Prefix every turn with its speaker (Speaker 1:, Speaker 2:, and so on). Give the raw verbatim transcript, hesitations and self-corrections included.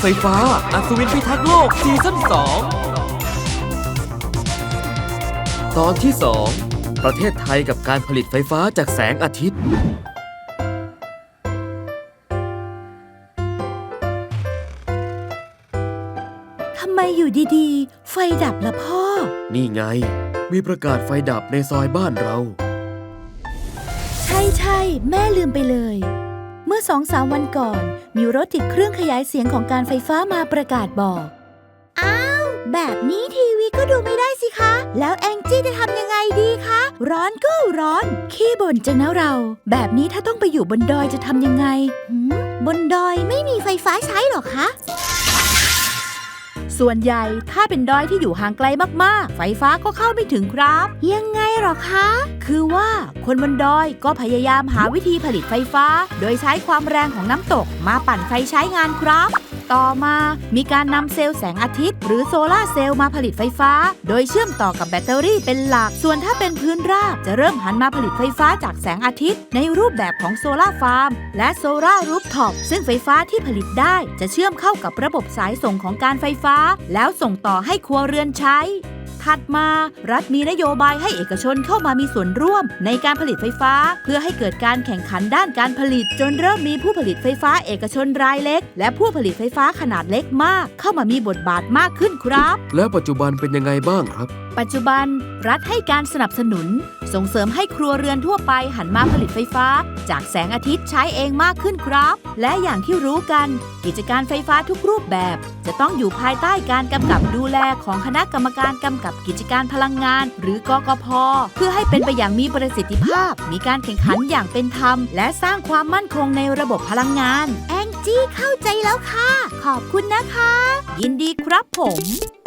Speaker 1: ไฟฟ้าอัศวินพิทักษ์โลกซีซั่นสองตอนที่สองประเทศไทยกับการผลิตไฟฟ้าจากแสงอาทิตย์
Speaker 2: ทำไมอยู่ดีๆไฟดับล่ะพ่อ
Speaker 1: นี่ไงมีประกาศไฟดับในซอยบ้านเรา
Speaker 2: ใช่ใช่แม่ลืมไปเลยเมื่อสองสามวันก่อนมีรถติดเครื่องขยายเสียงของการไฟฟ้ามาประกาศบอกอ้าวแบบนี้ทีวีก็ดูไม่ได้สิคะแล้วแองจี้จะทำยังไงดีคะร้อนก็ร้อนขี้บ่นจังนะเราแบบนี้ถ้าต้องไปอยู่บนดอยจะทำยังไงหืมบนดอยไม่มีไฟฟ้าใช้หรอคะส่วนใหญ่ถ้าเป็นดอยที่อยู่ห่างไกลมากๆไฟฟ้าก็เข้าไม่ถึงครับยังไงหรอคะคือว่าคนบนดอยก็พยายามหาวิธีผลิตไฟฟ้าโดยใช้ความแรงของน้ำตกมาปั่นไฟใช้งานครับต่อมามีการนำเซลล์แสงอาทิตย์หรือโซลาร์เซลล์มาผลิตไฟฟ้าโดยเชื่อมต่อกับแบตเตอรี่เป็นหลักส่วนถ้าเป็นพื้นราบจะเริ่มหันมาผลิตไฟฟ้าจากแสงอาทิตย์ในรูปแบบของโซลาร์ฟาร์มและโซลาร์รูฟท็อปซึ่งไฟฟ้าที่ผลิตได้จะเชื่อมเข้ากับระบบสายส่งของการไฟฟ้าแล้วส่งต่อให้ครัวเรือนใช้ถัดมารัฐมีนโยบายให้เอกชนเข้ามามีส่วนร่วมในการผลิตไฟฟ้าเพื่อให้เกิดการแข่งขันด้านการผลิตจนเริ่มมีผู้ผลิตไฟฟ้าเอกชนรายเล็กและผู้ผลิตไฟฟ้าขนาดเล็กมากเข้ามามีบทบาทมากขึ้นครับ
Speaker 1: แล้วปัจจุบันเป็นยังไงบ้างครับ
Speaker 2: ปัจจุบันรัฐให้การสนับสนุนส่งเสริมให้ครัวเรือนทั่วไปหันมาผลิตไฟฟ้าจากแสงอาทิตย์ใช้เองมากขึ้นครับและอย่างที่รู้กันกิจการไฟฟ้าทุกรูปแบบจะต้องอยู่ภายใต้การกำกับดูแลของคณะกรรมการกำกับกิจการพลังงานหรือกกพ.เพื่อให้เป็นไปอย่างมีประสิทธิภาพมีการแข่งขันอย่างเป็นธรรมและสร้างความมั่นคงในระบบพลังงานแองจี้เข้าใจแล้วค่ะขอบคุณนะคะยินดีครับผม